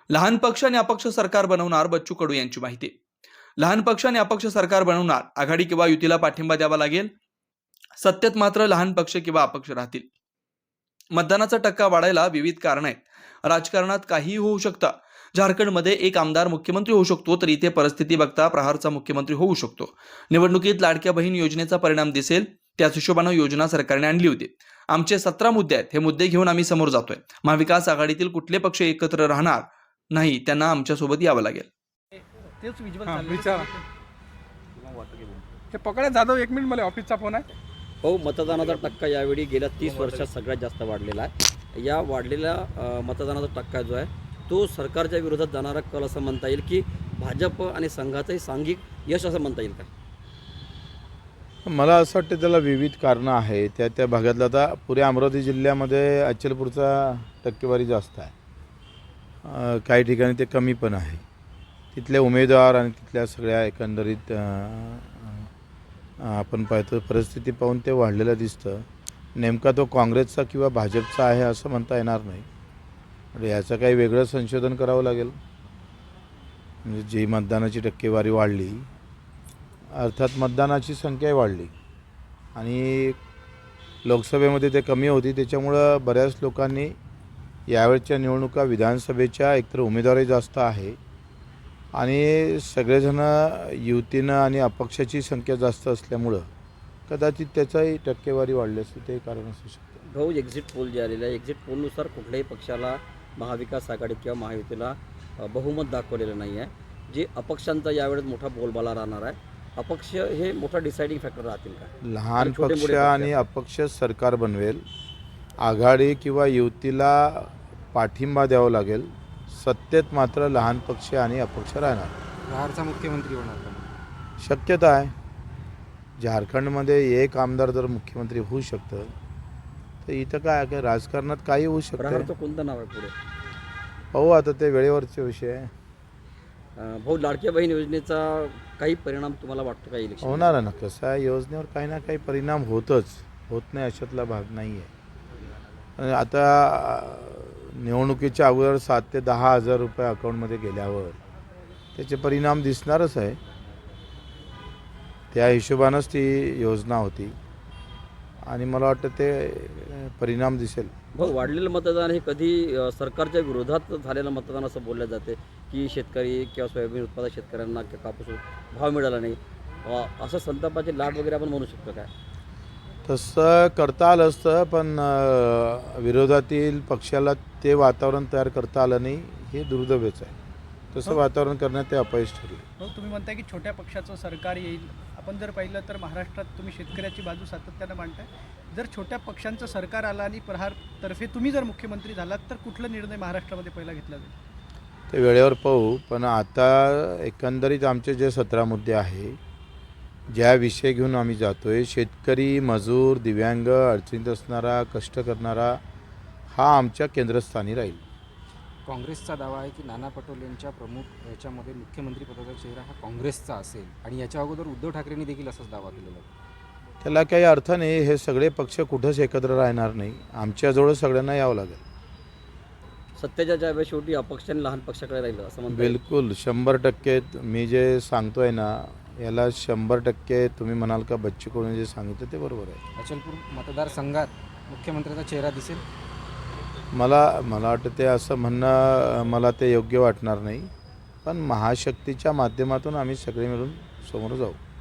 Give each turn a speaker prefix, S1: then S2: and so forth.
S1: लहान पक्ष आणि अपक्ष सरकार बनवणार बच्चू कडू यांची माहिती. लहान पक्ष आणि अपक्ष सरकार बनवणार, आघाडी किंवा युतीला पाठिंबा द्यावा लागेल. सत्तेत मात्र लहान पक्ष किंवा अपक्ष राहतील. मतदानाचा टक्का वाढायला विविध कारण आहेत. राजकारणात काहीही होऊ शकतं. झारखंडमध्ये एक आमदार मुख्यमंत्री होऊ शकतो, तर इथे परिस्थिती बघता प्रहारचा मुख्यमंत्री होऊ शकतो. निवडणुकीत लाडक्या बहीण योजनेचा परिणाम दिसेल. त्याच हिशोबानं योजना सरकारने आणली होती. आमचे 17 मुद्दे आहेत. हे मुद्दे घेऊन आम्ही समोर जातोय. महाविकास आघाडीतील कुठले पक्ष एकत्र राहणार नाही, त्यांना आमच्यासोबत यावं लागेल.
S2: तेच विज्युअल
S3: हां,
S2: चाललंय.
S3: विचारा. हे पकडा जाधव, 1 मिनिट, मला ऑफिसचा फोन आहे.
S4: हो, मतदानाचा टक्का यावेळी गेल्या 30 वर्षात सगळ्यात जास्त वाढलेला आहे. या वाढलेल्या मतदानाचा टक्का जो आहे तो सरकारच्या विरोधात जाणारा कल असं म्हणता येईल की भाजप आणि संघाचंही सांघिक यश असं म्हणता येईल का?
S5: मला असं वाटतं त्याला विविध कारणं आहे. त्या भागातलं आता पुऱ्या अमरावती जिल्ह्यामध्ये अचलपूरचा टक्केवारी जास्त आहे, काही ठिकाणी ते कमी पण आहे. तिथले उमेदवार आणि तिथल्या सगळ्या एकंदरीत आपण पाहतो परिस्थिती पाहून ते वाढलेलं दिसतं. नेमका तो काँग्रेसचा किंवा भाजपचा आहे असं म्हणता येणार नाही. म्हणजे याचं काही वेगळं संशोधन करावं लागेल. म्हणजे जी मतदानाची टक्केवारी वाढली, अर्थात मतदानाची संख्याही वाढली आणि लोकसभेमध्ये ते कमी होती, त्याच्यामुळं बऱ्याच लोकांनी यावेळच्या निवडणुका विधानसभेच्या एकतर उमेदवारही जास्त आहे आणि सगळेजणं युतीनं आणि अपक्षाची संख्या जास्त असल्यामुळं कदाचित त्याचाही टक्केवारी वाढली असते, ते कारण असू शकतं.
S4: भाऊ, एक्झिट पोल जे आलेलं आहे, एक्झिट पोलनुसार कुठल्याही पक्षाला महाविकास आघाडी किंवा महायुतीला बहुमत दाखवलेलं नाही आहे. जे अपक्षांचा यावेळेस मोठा बोलबाला राहणार आहे. अपक्ष हे मोठा डिसाइडिंग फॅक्टर राहतील का?
S5: लहान
S4: छोटे
S5: पक्ष
S4: मोठे
S5: आणि अपक्ष सरकार बनवेल. आघाडी किंवा युतीला पाठिंबा द्यावा लागेल. सत्तेत मात्र लहान पक्ष आणि अपक्ष राहणार.
S3: बिहारचा मुख्यमंत्री होणार का?
S5: शक्यता आहे. झारखंडमध्ये एक आमदार जर मुख्यमंत्री होऊ शकतं, तर इथं काय राजकारणात काही होऊ शकतं.
S4: प्रहारचं कोणतं नाव आहे पुढे?
S5: पाहू आता, ते वेळेवरचे विषय आहे.
S4: भाऊ, लाडक्या बहीण योजनेचा काही परिणाम तुम्हाला वाटतो का इलेक्शन?
S5: होणार आहे ना. कसं आहे, योजनेवर काही ना काही परिणाम होतच, होत नाही अशातला भाग नाही आहे. आणि आता निवडणुकीच्या अगोदर 7 ते 10 हजार रुपये अकाउंटमध्ये गेल्यावर त्याचे परिणाम दिसणारच आहे. त्या हिशोबानंच ती योजना होती आणि मला वाटतं ते परिणाम दिसेल.
S4: भाऊ, वाढलेलं मतदान हे कधी सरकारच्या विरोधात झालेलं मतदान असं बोललं जाते की शेतकरी किंवा सोयाबीन उत्पादक शेतकऱ्यांना किंवा कापूस भाव मिळाला नाही, असं संतापाचे लाट वगैरे आपण म्हणू शकतो काय?
S5: तसं करता आलं असतं, पण विरोधातील पक्षाला ते वातावरण तयार करता आलं नाही, हे दुर्दैवच आहे. तसं वातावरण करण्यात ते अपयश ठरले.
S2: हो, तुम्ही म्हणताय की छोट्या पक्षाचं सरकार येईल. आपण जर पाहिलं तर महाराष्ट्रात तुम्ही शेतकऱ्याची बाजू सातत्यानं मांडताय. जर छोट्या पक्षांचं सरकार आलं आणि प्रहारतर्फे तुम्ही जर मुख्यमंत्री झालात, तर कुठला निर्णय महाराष्ट्रामध्ये पहिला घेतला जाईल?
S5: ते वेळेवर पाहू. पण आता एकंदरीत आमचे जे 17 मुद्दे आहे, ज्या विषय घेऊन आम्ही जातो आहे, शेतकरी, मजूर, दिव्यांग, अडचणीत असणारा, कष्ट करणारा, हा आमच्या केंद्रस्थानी राहील.
S6: काँग्रेसचा दावा आहे की नाना पटोलेंच्या प्रमुख याच्यामध्ये मुख्यमंत्री पदाचा चेहरा हा काँग्रेसचा असेल आणि याच्या अगोदर उद्धव ठाकरेंनी देखील असाच दावा केलेला आहे.
S5: त्याला काही अर्थ नाही. हे सगळे पक्ष कुठंच एकत्र राहणार नाही. आमच्याजवळ सगळ्यांना यावं लागेल.
S4: सत्तेच्या ज्यावेळेस शेवटी अपक्ष आणि लहान पक्षाकडे राहिलं असं म्हणता येईल?
S5: बिलकुल 100% मी जे सांगतोय ना, याला 100% तुम्ही म्हणाल का बच्चू कडूने जे सांगितलं ते बरोबर आहे.
S6: अचलपूर मतदारसंघात मुख्यमंत्र्याचा चेहरा दिसेल.
S5: मला वाटतं ते असं म्हणणं मला ते योग्य वाटणार नाही. पण महाशक्तीच्या माध्यमातून आम्ही सगळे मिळून समोर जाऊ.